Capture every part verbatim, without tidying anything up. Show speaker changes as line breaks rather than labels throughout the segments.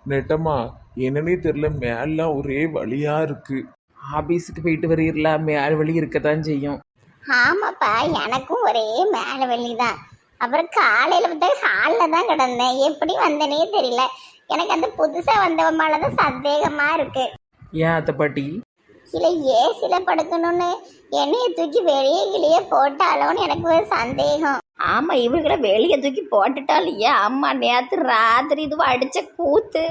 நெட்டம்மா, என்னன்னே தெரியல, மேலாம் ஒரே வலியா இருக்கு.
ஆபீஸுக்கு போயிட்டு வரீங்களா? மேல் வலி இருக்கத்தான் செய்யும்.
ஆமாப்பா, எனக்கும் ஒரே மேலே வலி தான். அப்புறம் காலையில் பார்த்தா ஹாலில் தான் கிடந்தேன். எப்படி வந்தேனே தெரியல. எனக்கு அந்த புதுசாக வந்தவன் மேலே தான் சந்தேகமாக இருக்கு.
ஏன் அத்தை பாட்டி?
இல்லை ஏசியில் படுக்கணும்னு என்னைய தூக்கி வெளியே கிளியே போட்டாலோன்னு எனக்கு ஒரு சந்தேகம்.
ஆமா, இவங்களை வெளியே தூக்கி போட்டுட்டாலும் ஏன் அம்மா நேத்து ராத்திரி இதுவா அடிச்ச கூத்து.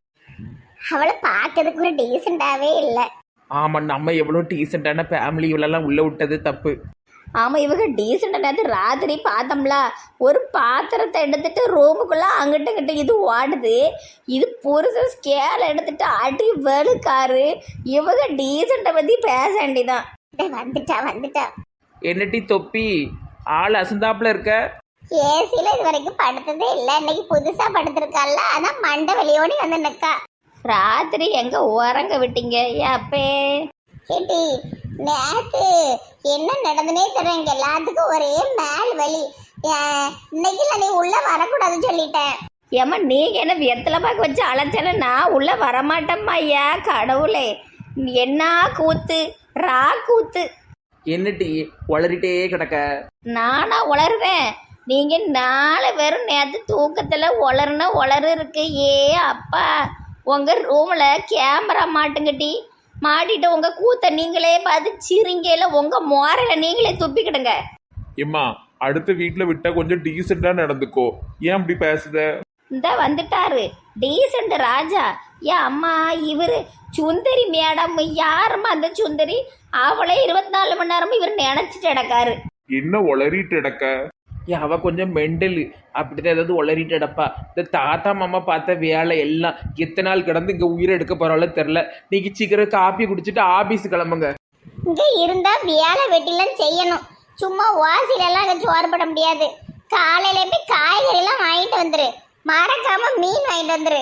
அவளை பார்க்கறதுக்கு ஒரு டீசெண்டாகவே இல்லை.
ஆமா, நம்ம எவ்வளோ டீசெண்டான ஃபேமிலி இவ்வளோலாம் உள்ள விட்டது தப்பு.
ஆமா, இவங்க டீசெண்டா நேத்து ராத்திரி பார்த்தோம்ல, ஒரு பாத்திரத்தை எடுத்துட்டு ரூமுக்குள்ள அங்கிட்ட கிட்ட இது ஓடுது. இது புருஷன் ஸ்கேல் எடுத்துட்டு அடி வெளுக்காரு. இவங்க டீசெண்டை பத்தி பேச வேண்டிதான்.
வந்துட்டா வந்துட்டா.
என்னட்டி தொப்பி, ஆள் அசந்தாப்புல இருக்க?
ஏசியில் இது வரைக்கும் படுத்ததே இல்லை. இன்னைக்கு புதுசாக படுத்திருக்கால, அதான் மண்டை வெளியோடி வந்து நிற்கா.
ராத்திரி எங்க உறங்க விட்டீங்க அப்பே?
கேட்டி, நேத்து என்ன நடந்துனே தெரியல. எல்லாத்துக்கும் ஒரே மேல் வலி. இன்னைக்கு நீ உள்ள வரக்கூடாதுன்னு சொல்லிட்டேன்.
ஏம்மா, நீங்க என்ன வெத்தலை பாக்க வச்சு அழைச்சல, நான் உள்ள வரமாட்டேம்மா. ஐயா கடவுளே, என்ன கூத்து, ரா கூத்து.
என்னட்டி வளரிட்டே கிடக்க?
நானா உளருவேன்? நீங்க நாலு பேரும் நேற்று தூக்கத்துல உளறுனா உளறு இருக்கு. ஏ அப்பா, உங்க ரூம்ல கேமரா மாட்டுங்கட்டி, மாட்டிட்டு உங்க கூத்த நீங்களே பார்த்து சிரிங்கையில உங்க மோரையில நீங்களே துப்பிக்கிடுங்க.
எம்மா, அடுத்த வீட்டுல விட்டா கொஞ்சம் டீசெண்டா நடந்துக்கோ. ஏன் அப்படி பேசுத?
இந்த வந்துட்டாரு டீசெண்ட் ராஜா. ஏன் அம்மா, இவரு சுந்தரி மேடம். யாரும்மா அந்த சுந்தரி? அவளே இருபத்தி நாலு மணி நேரமும் இவர் நினைச்சிட்டு கிடக்காரு.
என்ன உளறிட்டு இடக்க?
ஏன் அவ கொஞ்சம் மெண்டல், அப்படிதான் ஏதாவது உளறிட்டு அடப்பா. இந்த தாத்தா மாமா பார்த்த வேலை எல்லாம் எத்தனை நாள் கிடந்து இங்கே உயிரை எடுக்க போறாலும் தெரில. நீங்க சீக்கிரம் காப்பி குடிச்சிட்டு ஆபீஸ் கிளம்புங்க.
இங்க இருந்தா வேலை வெட்டிலாம் செய்யணும். சும்மா வாசில எல்லாம் அங்க சோறு போட முடியாது. காலையில போய் காய்கறி எல்லாம் வாங்கிட்டு வந்துரு. மறக்காம மீன் வாங்கிட்டு வந்துரு.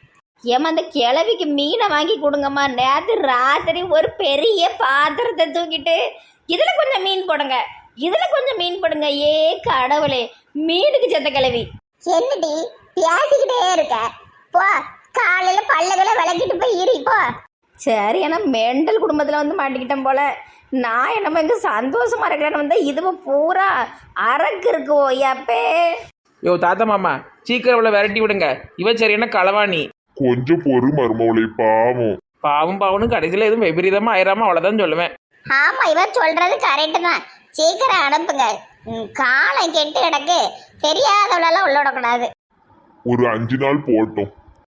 ஏமா, அந்த கிழவிக்கு மீனை வாங்கி கொடுங்கம்மா. நேற்று ராத்திரி ஒரு பெரிய பாத்திரத்தை தூக்கிட்டு இதுல கொஞ்சம் மீன் போடுங்க, இதுல கொஞ்சம் மீன் போடுங்க. ஏ கடவுளே, மீனுக்கு செத்த கிழவி.
என்னடி பேசிக்கிட்டே இருக்க? போ, காலையில பல்லகளை விளக்கிட்டு போய் இரு போ.
சரி, ஏன்னா மெண்டல் குடும்பத்தில் வந்து மாட்டிக்கிட்டேன் போல. நான் என்னமோ இங்கே சந்தோஷமா இருக்கிறேன்னு வந்தா இதுவோ பூரா அரக்கு இருக்குவோ. அப்பே
யோ தாத்தா மாமா, சீக்கிரம் இவ்வளோ விரட்டி விடுங்க. இவ சரியான களவாணி.
கொஞ்சம் பொறு மருமவளை, பாவம்.
பாவம் பாவனும் கடைசியில் எதுவும் விபரீதமா ஆயிராம அவ்வளோதான் சொல்லுவேன்.
ஆமா, இவன் சொல்றது கரெக்டு தான். சீக்கிரம் அனுப்புங்க. ம், காலம் கெட்டு கிடக்கு. தெரியாதவளெல்லாம் உள்ள விடக்கூடாது.
ஒரு அஞ்சு நாள் போட்டோம்.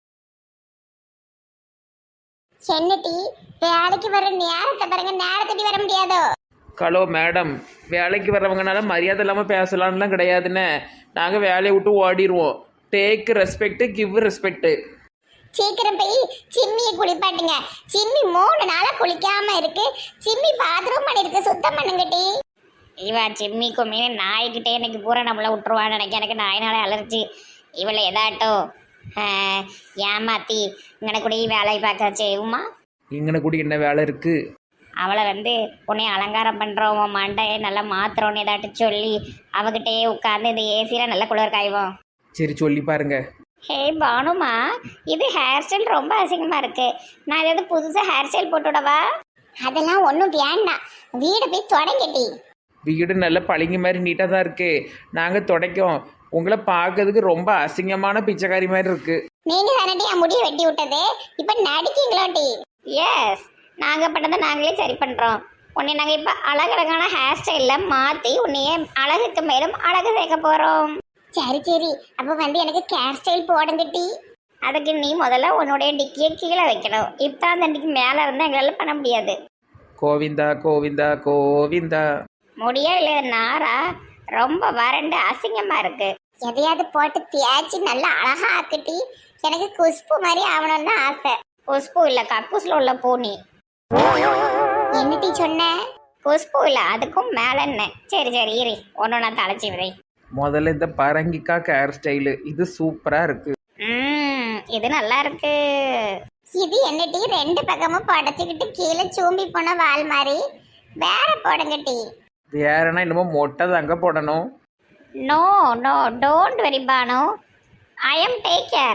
என்னடி வேலைக்கு வர நேரத்தை பாருங்க, நேரத்துக்கு வர முடியாதோ?
ஹலோ மேடம், வேலைக்கு வர்றவங்கனால மரியாதை இல்லாமல் பேசலான்லாம் கிடையாதுன்னு. நாங்கள் வேலையை விட்டு ஓடிடுவோம். Take respect, give respect.
சீக்கிரம் போய் சிம்மியை குளிப்பாட்டுங்க. சிம்மி மூணு நாளா குளிக்காம இருக்கு. சிம்மி பாத்ரூம் பண்ணிருக்கு, சுத்தம் பண்ணுங்கட்டி.
இவா சிம்மி கும்மி நாய்கிட்டே இன்னைக்கு பூரா நம்மளை விட்டுருவான்னு நினைக்க. எனக்கு நாயினாலே அலர்ஜி. இவளை எதாட்டோ ஏமாத்தி இங்கன கூட வேலை பார்க்க செய்வோமா?
இங்கன கூட என்ன வேலை இருக்கு?
அவளை வந்து உன்னை அலங்காரம் பண்ணுறோம், உன் மண்டையை நல்லா மாத்துறோன்னு ஏதாட்டு சொல்லி அவகிட்டே உட்காந்து இந்த ஏசியில் நல்ல குளிர் காய்வோம்.
சரி சொல்லி பாருங்க.
ஹே பானுமா, இது ஹேர் ஸ்டைல் ரொம்ப அசிங்கமாக இருக்கு. நான் ஏதாவது புதுசாக ஹேர் ஸ்டைல் போட்டுவிடவா?
அதெல்லாம் ஒன்றும் வேண்டாம். வீடு போய் தொடங்கட்டி.
வீடு நல்ல பளிங்கு மாதிரி நீட்டாக தான் இருக்கு. நாங்கள் துடைக்கோம். உங்களை பார்க்கறதுக்கு ரொம்ப அசிங்கமான பிச்சைக்காரி மாதிரி இருக்கு.
நீங்க தானே என் முடியை வெட்டி விட்டது, இப்ப நடிக்கீங்களோட்டி?
எஸ், நாங்கள் பண்ணதை நாங்களே சரி பண்ணுறோம். உன்னை நாங்கள் இப்போ அழகழகான ஹேர் ஸ்டைலில் மாற்றி உன்னையே அழகுக்கு மேலும் அழகு சேர்க்க போகிறோம்.
சரி சரி, அப்போ வந்து எனக்கு ஹேர் ஸ்டைல் போடுங்கட்டி.
அதுக்கு நீ முதல்ல உன்னுடைய டிக்கியை கீழே வைக்கணும். இப்போ அந்த டிக்கி மேலே இருந்தால் எங்களால் பண்ண முடியாது.
கோவிந்தா கோவிந்தா கோவிந்தா.
முடியா இல்லை, நாரா ரொம்ப வறண்டு அசிங்கமாக இருக்கு.
எதையாவது போட்டு தேய்ச்சி நல்லா அழகா ஆக்கட்டி. எனக்கு குஷ்பு மாதிரி ஆகணும்னு தான் ஆசை.
குஷ்பு இல்லை, கக்கூசில் உள்ள பூனி.
என்னட்டி சொன்ன?
குஷ்பு இல்லை, அதுக்கும் மேலே என்ன. சரி சரி இரு, ஒன்று நான் தலைச்சி விதை.
முதல்ல இந்த பரங்கிக்கா ஹேர் ஸ்டைலு இது சூப்பராக இருக்கு.
ம், இது நல்லா இருக்கு.
இது என்னட்டி ரெண்டு பக்கமும் படைச்சிக்கிட்டு கீழே சூம்பி போன வால் மாதிரி? வேற போடுங்கட்டி.
வேறனா என்னமோ மொட்டை தாங்க போடணும்.
No no, don't worry Banu, I am take care.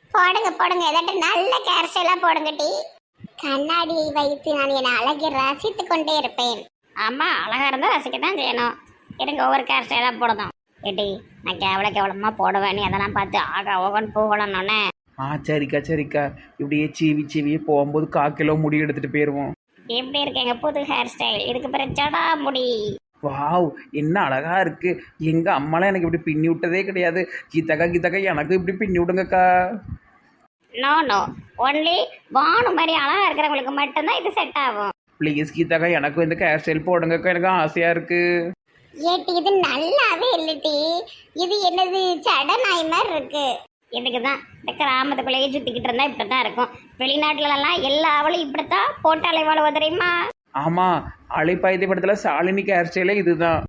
போடுங்க போடுங்க ஏதாட்டு நல்ல கேர் ஸ்டைலா போடுங்க டி. கண்ணாடியை வைத்து நான் என் அழகை ரசித்து கொண்டே இருப்பேன்.
ஆமா, அழகா இருந்தா ரசிக்கத்தான் செய்யணும். இருங்க ஒவ்வொரு கேர் ஸ்டைலா போடணும். ஏட்டி நான் கேவல கேவலமா போடுவேன், நீ அதெல்லாம் பார்த்து ஆகா ஓகன் போகணும்னே.
ஆ சரிக்கா சரிக்கா, இப்படியே சீவி சீவியே போகும்போது கால் கிலோ முடி எடுத்துட்டு போயிடுவோம்.
எப்படி இருக்கீங்க புது ஹேர் ஸ்டைல்? இதுக்கு பிறகு ஜடா முடி.
வாவ், என்ன அழகா இருக்கு. எங்க அம்மாலாம் எனக்கு இப்படி பின்னி விட்டதே கிடையாது. கீதாக்கா கீதாக்கா எனக்கு இப்படி பின்னி விடுங்கக்கா.
நோ நோ, ஒன்லி வானு மாதிரி அழகா இருக்கிறவங்களுக்கு மட்டும்தான் இது செட் ஆகும்.
ப்ளீஸ் கீதாக்கா எனக்கும் இந்த ஹேர் ஸ்டைல் போடுங்கக்கா, எனக்கு ஆசையா இருக்கு.
ஏட்டி இது நல்லாவே இல்லட்டி. இது என்னது சட நாய் மாதிரி இருக்கு.
இதுக்கு தான் இந்த கிராமத்துக்குள்ளேயே சுற்றிக்கிட்டு இருந்தால் இப்படி தான் இருக்கும். வெளிநாட்டுலலாம் எல்லா அவளும் இப்படித்தான் போட்டாலே வாழுவ தெரியுமா?
ஆமா, அலைப்பாய்தி படத்துல சாலினிக்கு ஹேர் ஸ்டைலே இதுதான்.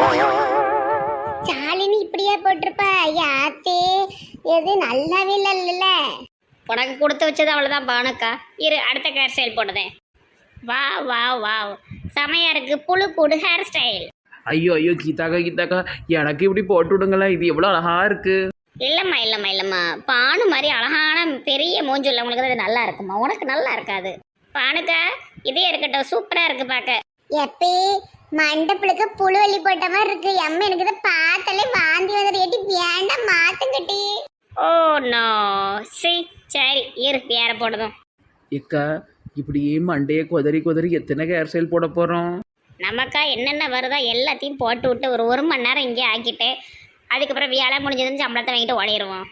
சாலினி இப்படியா போட்டிருப்பா? யாத்தே எது நல்லாவே இல்ல.
உனக்கு கொடுத்து வச்சது அவ்வளோதான் பானுக்கா. இரு அடுத்த ஹேர் ஸ்டைல் போடுதேன். வா வா வா, செமையா இருக்கு புழு கூடு ஹேர் ஸ்டைல்.
ஐயோ ஐயோ கீதாக்கா கீதாக்கா எனக்கு இப்படி போட்டு விடுங்களேன், இது எவ்வளோ அழகா இருக்கு.
இல்லைம்மா இல்லைம்மா இல்லைம்மா, பானு மாதிரி அழகான பெரிய மூஞ்சி உள்ளவங்களுக்கு அது நல்லா இருக்குமா, உனக்கு நல்லா இருக்காது. பானுக்கா இதே இருக்கட்டும், சூப்பராக இருக்கு பார்க்க.
எப்பே மண்டப்புளுக்கு புழுவலி போட்ட மாதிரி இருக்கு. அம்மா எனக்கு இதை பார்த்தாலே வாந்தி வந்துடு. ஏட்டி வேண்டாம் மாத்துங்கட்டி.
ஓ நோ, சி சரி இரு வேற போடுதும்.
ஏக்கா இப்படியே மண்டையை குதறி குதறி எத்தனை ஹேர் ஸ்டைல் போட போறோம்?
நமக்கா என்னென்ன வருதோ எல்லாத்தையும் போட்டு விட்டு ஒரு ஒரு மணி நேரம் இங்கே ஆக்கிட்டு அதுக்கப்புறம் வேலை முடிஞ்சதுன்னு சம்பளத்தை வாங்கிட்டு ஓடிடுவோம்.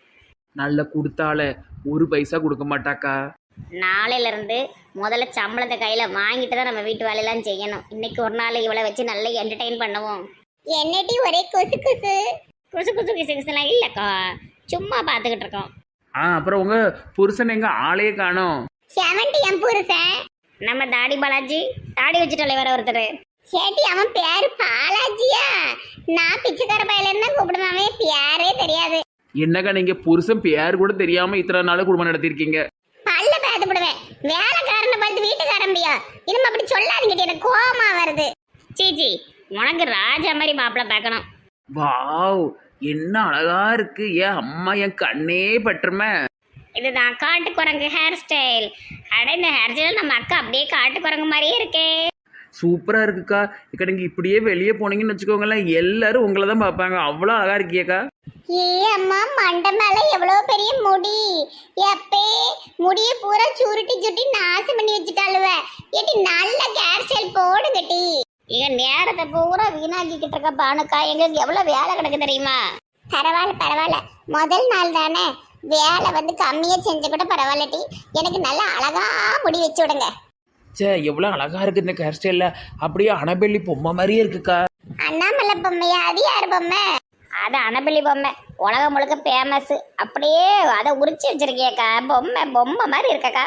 நல்ல கொடுத்தால ஒரு பைசா கொடுக்க மாட்டாக்கா.
நாளையிலேருந்து முதல்ல சம்பளத்தை கையில் வாங்கிட்டு தான் நம்ம வீட்டு வேலையெல்லாம் செய்யணும். இன்னைக்கு ஒரு நாள் இவளை வச்சு நல்லா என்டர்டெயின் பண்ணுவோம்.
என்னட்டி ஒரே குசு குசு
குசு குசு கிசு கிசுலாம் இல்லைக்கா, சும்மா பார்த்துக்கிட்டு இருக்கோம்.
ஆ அப்புறம் உங்க புருஷன் எங்க ஆளையே காணோம்.
செவன்டி என் புருஷன்
நம்ம தாடி பாலாஜி, தாடி வச்சுட்டாலே வேற ஒருத்தர்.
சேட்டி அவன் பேரு பாலாஜியா? நான் பிச்சைக்கார பையில இருந்தா கூப்பிடுவேன், அவன் பேரே தெரியாது.
என்னக்கா நீங்க புருஷன் பேர் கூட தெரியாம இத்தனை நாள் குடும்பம் நடத்திருக்கீங்க.
பல்ல பேத்துப்படுவேன். வேலைக்காரனை பார்த்து வீட்டுக்காரம்பியா இனிமே அப்படி சொல்லாதீங்க, எனக்கு கோவமா வருது.
சீச்சி, உனக்கு ராஜா மாதிரி மாப்பிள்ளை பார்க்கணும்.
வாவ், என்ன அழகா இருக்கு. ஏன் அம்மா என் கண்ணே பற்றுமே.
இதுதான் காட்டு குரங்கு ஹேர் ஸ்டைல். அட இந்த ஹேர் ஸ்டைல் நம்ம அக்கா அப்படியே காட்டு குரங்கு மாதிரியே இருக்கே.
சூப்பரா இருக்குக்கா. இக்கா நீங்க இப்படியே வெளியே போனீங்கன்னு வச்சுக்கோங்களேன், எல்லாரும் உங்களை தான் பார்ப்பாங்க. அவ்வளோ அழகா இருக்கியக்கா.
ஏ அம்மா, மண்டை மேல எவ்வளவு பெரிய முடி. எப்பே முடிய பூரா சுருட்டி சுருட்டி நாசம் பண்ணி வச்சுட்டாளுவ. ஏட்டி நல்ல ஹேர் ஸ்டைல் போடுங்கட்டி.
இங்க நேரத்தை பூரா வீணாக்கிக்கிட்டு இருக்க பானுக்கா, எங்களுக்கு எவ்வளவு வேலை கிடக்கு தெரியுமா?
பரவாயில்ல பரவாயில்ல, முதல் நாள் தானே, வேலை வந்து கம்மியா செஞ்ச கூட பரவாயில்லட்டி. எனக்கு நல்லா அழகா முடி வச்சு விடுங்க.
சே எவ்வளோ அழகா இருக்கு இந்த ஹேர் ஸ்டைல்ல. அப்படியே அனபெல்லி பொம்மை மாதிரியே இருக்குக்கா.
அண்ணாமலை பொம்மையா? அது யார் பொம்மை?
அது அனபெல்லி பொம்மை, உலகம் முழுக்க ஃபேமஸ். அப்படியே அதை உரிச்சு வச்சிருக்கியக்கா, பொம்மை பொம்மை மாதிரி இருக்கக்கா.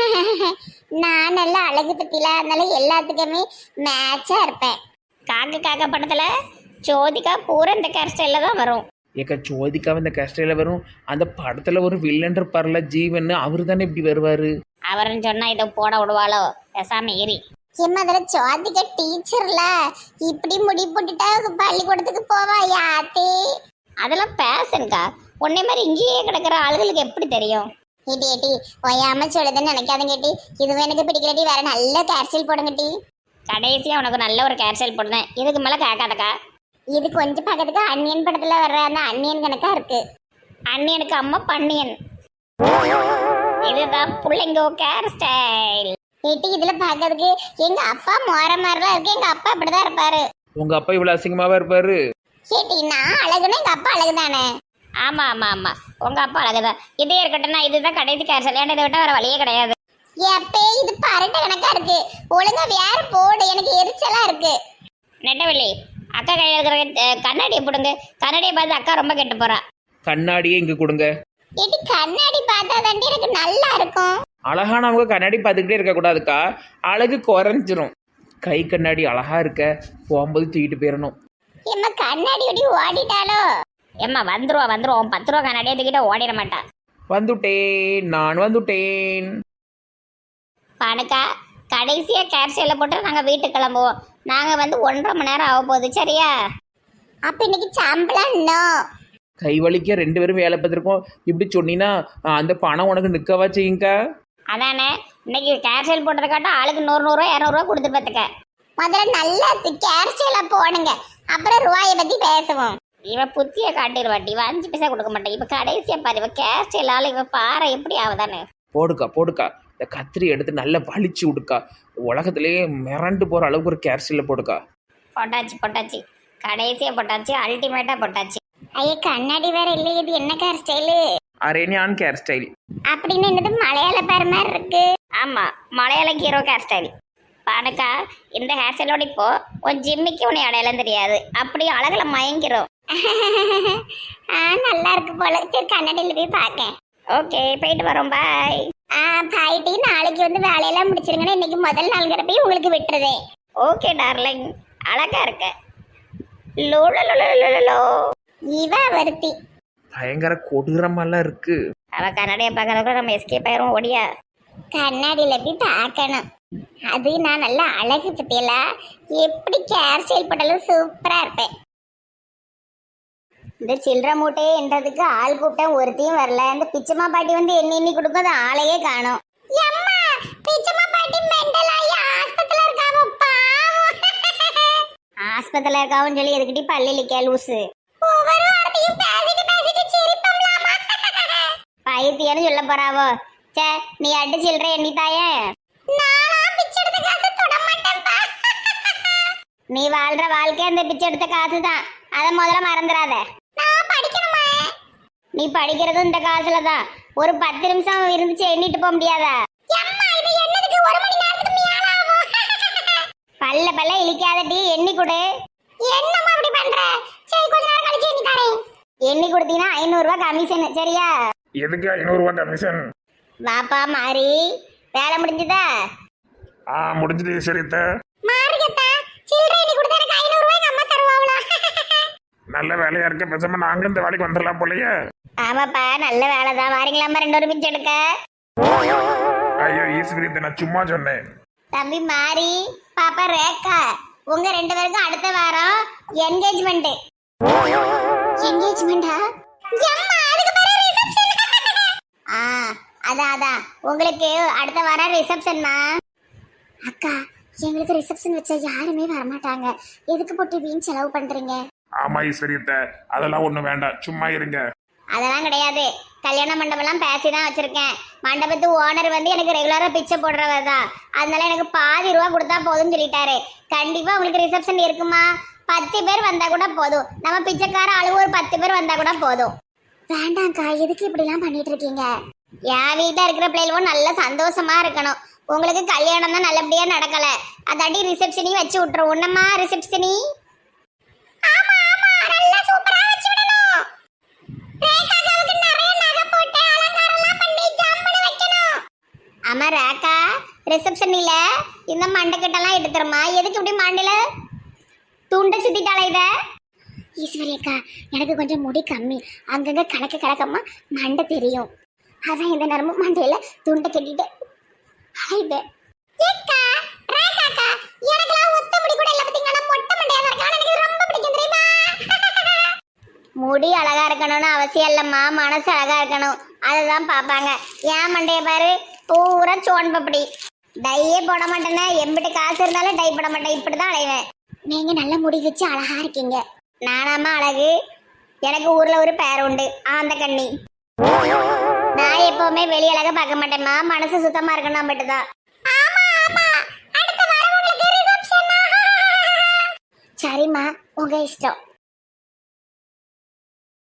நான் நல்லா அழகு பத்தில, அதனால எல்லாத்துக்குமே மேட்சா இருப்பேன்.
காக்க காக்க படத்துல ஜோதிகா பூரா இந்த ஹேர் ஸ்டைல்ல தான் வரும்.
ஏக்கா ஜோதிக்காவை இந்த ஹேர் ஸ்டைல வரும். அந்த படத்துல ஒரு வில்லன் இருப்பார்ல ஜீவன், அவரு தானே இப்படி வருவாரு.
அவருன்னு சொன்னா இதை போட விடுவாளோ? பேசாம ஏறி
ஏமா அதில் ஜோதிகா டீச்சர்ல இப்படி முடி போட்டுட்டா பள்ளிக்கூடத்துக்கு போவா யாத்தே?
அதெல்லாம் பேசன்க்கா, உன்னை மாதிரி இங்கேயே கிடக்கிற ஆளுகளுக்கு எப்படி தெரியும்?
ஏட்டி ஏட்டி ஒயாம சொல்லுதுன்னு நினைக்காதுங்க டி. இதுவும் எனக்கு பிடிக்கலட்டி, வேற நல்ல கேர்சல் போடுங்க டி.
கடைசியா உனக்கு நல்ல ஒரு ஹேர் ஸ்டைல் போடுறேன், இதுக்கு மேல கேட்காதக்கா.
இது கொஞ்சம் பக்கத்துக்கு அன்னியன் படத்துல வர்ற அந்த அன்னியன் கணக்கா இருக்கு.
அண்ணியனுக்கு அம்மா பன்னியன். இதுதான் பிள்ளைங்க ஹேர் ஸ்டைல்.
ஏட்டி இதுல பாக்கிறதுக்கு எங்க அப்பா மோர மாதிரிலாம் இருக்கு. எங்க அப்பா இப்படிதான் இருப்பாரு.
உங்க அப்பா இவ்வளவு அசிங்கமாவா இருப்பாரு?
ஏட்டி நான் அழகுன்னா எங்க அப்பா அழகுதானே?
ஆமா ஆமா ஆமா, உங்க அப்பா அழகுதான். இதே இருக்கட்டும்னா இதுதான் கடைசி ஹேர் ஸ்டைல், ஏன்னா இதை விட்டா வேற வழியே கிடையாது.
எப்பே இது பரட்ட கணக்கா இருக்கு, ஒழுங்கா வேற போடு, எனக்கு எரிச்சலா இருக்கு.
நெட்டவெளி, அக்கா கையில் இருக்கிற கண்ணாடியை போடுங்க. கண்ணாடியை பார்த்து அக்கா ரொம்ப கெட்டு போறா.
கண்ணாடியே இங்க கொடுங்க.
ஏட்டி கண்ணாடி பார்த்தா தாண்டி எனக்கு நல்லா இருக்கும்.
அழகானவங்க கண்ணாடி பார்த்துக்கிட்டே இருக்க கூடாதுக்கா, அழகு குறைஞ்சிரும். கை கண்ணாடி அழகா இருக்க, போகும்போது தூக்கிட்டு போயிடணும்.
ஏம்மா கண்ணாடி ஒடி ஓடிட்டாலோ?
ஏம்மா வந்துருவா வந்துருவோம், பத்து ரூபா கண்ணாடியை தூக்கிட்ட ஓடிட மாட்டா.
வந்துட்டேன், நான் வந்துட்டேன்.
பானுக்கா கடைசியா ஹேர் ஸ்டைல போட்டு நாங்க வீட்டுக்கு கிளம்புவோம். நாங்க வந்து ஒன்றரை மணி நேரம் ஆக போகுது, சரியா?
அப்ப இன்னைக்கு சம்பளம் இன்னும்
கை வலிக்க ரெண்டு பேரும் வேலை பார்த்துருக்கோம். இப்படி சொன்னீங்கன்னா அந்த பணம் உனக்கு நிற்கவா செய்யுங்கக்கா?
அதானே இன்னைக்கு கேர் ஸ்டைல் போட்டதை காட்டும் ஆளுக்கு நூறு நூறுரூவா இரநூறுவா கொடுத்து பார்த்துக்க. முதல்ல நல்லா கேர் ஸ்டைலாக போடுங்க, அப்புறம் ரூபாயை பற்றி பேசுவோம். இவ புத்திய காட்டிடுவாட்டி, இவ அஞ்சு பைசா கொடுக்க மாட்டேன். இப்ப கடைசியா பாரு, இவ கேர் ஸ்டைலால இவ பாறை எப்படி ஆகுதானே.
போடுக்கா போடுக்கா, இந்த கத்திரி எடுத்து நல்லா வலிச்சு விடுக்கா. உலகத்திலேயே மிரண்டு போற அளவுக்கு ஒரு கேர் ஸ்டைல போடுக்கா.
போட்டாச்சு போட்டாச்சு, கடைசியா போட்டாச்சு, அல்டிமேட்டா போட்டாச்சு. ஐயா கண்ணாடி வேற இல்லை, இது என்ன கேர் ஸ்டைலு?
அரேனியான் கேர் ஸ்டைல்
அப்படின்னு என்னது மலையாள பேர் மாதிரி இருக்கு.
ஆமா, மலையாள ஹீரோ ஹேர் ஸ்டைல். பானுக்கா, இந்த ஹேர் ஸ்டைலோட இப்போ உன் ஜிம்மிக்கு உன்னை அடையாளம் தெரியாது, அப்படி அழகுல மயங்கிறோம்.
ஆ நல்லா இருக்கு போல. சரி கண்ணாடியில் போய் பார்க்கேன்.
ஓகே, போயிட்டு வரோம், பாய்.
ஆ பாயிட்டு நாளைக்கு வந்து வேலையெல்லாம் முடிச்சிருங்கன்னா இன்னைக்கு முதல் நாள்கிற போய் உங்களுக்கு விட்டுறதே.
ஓகே டார்லிங், அழகா இருக்க. லோ
இவ வருத்தி
பயங்கர கொடூரமெல்லாம் இருக்கு.
அவ கண்ணாடியை பார்க்கறதுக்குள்ள நம்ம எஸ்கேப் ஆயிரும். ஓடியா,
கண்ணாடியில போய் பார்க்கணும். அது நான் நல்லா அழகு பத்தியல, எப்படி கேர் ஸ்டைல் போட்டாலும் சூப்பரா இருப்பேன். இந்த சில்லற மூட்டையே என்றதுக்கு ஆள் கூப்பிட்டேன், ஒருத்தையும் வரல. இந்த பிச்சம்மா பாட்டி வந்து எண்ணி எண்ணி கொடுக்கும், அது ஆளையே காணும். ஆஸ்பத்திரியில இருக்காவும் சொல்லி எதுக்கிட்டி பள்ளியில லூசு பைத்தியன்னு சொல்ல போறாவோ. சே நீ அடி சில்லற எண்ணி தாயே. நீ வாழ்ற வாழ்க்கை அந்த பிச்சை எடுத்த காசு தான், அதை முதல்ல மறந்துடாத. நீ படிக்கிறதும் இந்த காசுல தான். ஒரு பத்து நிமிஷம் இருந்துச்சு எண்ணிட்டு போக முடியாதா? பல்ல பல்ல இழிக்காதடி, எண்ணி கொடு. என்னம்மா இப்படி பண்ற? சரி கொஞ்ச நேரம் கழிச்சு எண்ணி தரேன். எண்ணி கொடுத்தீங்கன்னா ஐநூறு ரூபாய் கமிஷன், சரியா?
எதுக்கு ஐநூறு ரூபாய் கமிஷன்?
வாப்பா மாறி, வேலை முடிஞ்சதா?
ஆ முடிஞ்சது சரித்த.
மாறிக்கத்தா சில்லறை எண்ணி கொடுத்தா எனக்கு ஐநூறு ரூபாய் அம்மா தருவாங்களா?
நல்ல வேலையா இருக்க, பேசாம நாங்களும் இந்த வேலைக்கு வந்துடலாம் போலயே.
ஆமாப்பா நல்ல வேலை தான். வாரீங்களாம்மா ரெண்டு ஒரு பிச்சை எடுக்க?
ஐயோ ஈஸ்வரி, நான் சும்மா சொன்னேன்.
தம்பி மாறி, பாப்பா ரேக்கா, உங்க ரெண்டு பேருக்கும் அடுத்த வாரம் என்கேஜ்மெண்ட். என்கேஜ்மெண்டா? ஆ அதான் அதான், உங்களுக்கு அடுத்த வாரம் ரிசப்ஷன்மா. அக்கா எங்களுக்கு ரிசப்ஷன் வச்சா யாருமே வரமாட்டாங்க, எதுக்கு போட்டு வீண் செலவு பண்றீங்க?
ஆமா ஈஸ்வரியத்த, அதெல்லாம் ஒண்ணும் வேண்டாம், சும்மா இருங்க.
அதெல்லாம் கிடையாது, கல்யாண மண்டபம்லாம் பேசி தான் வச்சிருக்கேன். மண்டபத்து ஓனர் வந்து எனக்கு ரெகுலரா பிச்சை போடுறவர் தான், அதனால எனக்கு பாதி ரூபா கொடுத்தா போதும்னு சொல்லிட்டாரு. கண்டிப்பா உங்களுக்கு ரிசப்ஷன் இருக்குமா? பத்து பேர் வந்தா கூட போதும், நம்ம பிச்சைக்கார அளவு ஒரு பத்து பேர் வந்தா கூட போதும். வேண்டாம்க்கா, எதுக்கு இப்படி எல்லாம் பண்ணிட்டு இருக்கீங்க? என் வீட்டுல இருக்கிற பிள்ளைகளும் நல்ல சந்தோஷமா இருக்கணும். உங்களுக்கு கல்யாணம் தான் நல்லபடியா நடக்கல, அதாட்டி ரிசப்ஷனையும் வச்சு விட்டுரும். ஒன்னம்மா ரிசப்ஷனி? ஆமா ஆமா, நல்லா சூப்பரா வச்சு விடணும். ரேகாவுக்கு நிறைய நகை போட்டு அலங்காரம்லாம் பண்ணி ஜம்முன்னு வைக்கணும். ஆமா ரேகா, ரிசப்ஷன் இல்ல இந்த மண்டக்கட்டெல்லாம் எடுத்துருமா? எதுக்கு இப்படி மண்டையில துண்டை சுத்திட்டாளா இத? ஈஸ்வரி அக்கா, எனக்கு கொஞ்சம் முடி கம்மி, அங்கங்க கலக்க கலக்கமா மண்டை தெரியும், அதான் இந்த நேரமும் மண்டையில துண்டை கட்டிட்டு இது. ஏக்கா ரேகாக்கா, எனக்குலாம் ஒத்த முடி கூட இல்ல பாத்தீங்களா, மொட்டை மண்டையா தான் இருக்கு, எனக்கு ரொம்ப பிடிக்கும் தெரியுமா? முடி அழகா இருக்கணும்னு அவசியம் இல்லம்மா, மனசு அழகா இருக்கணும், அதுதான் பாப்பாங்க. ஏன் மண்டைய பாரு பூரா சோன் பப்படி, டையே போட மாட்டேன்னா, எம்பிட்டு காசு இருந்தாலும் டை போட மாட்டேன், இப்படிதான் அலைவேன். நீங்க நல்ல முடி வச்சு அழகா இருக்கீங்க. நானாமா அழகு? எனக்கு ஊர்ல ஒரு பேர் உண்டு, ஆந்த கண்ணி. நான் எப்பவுமே வெளி அழக பார்க்க மாட்டேம்மா, மனசு சுத்தமா இருக்கணும் மட்டும்தான். சரிம்மா உங்க இஷ்டம்.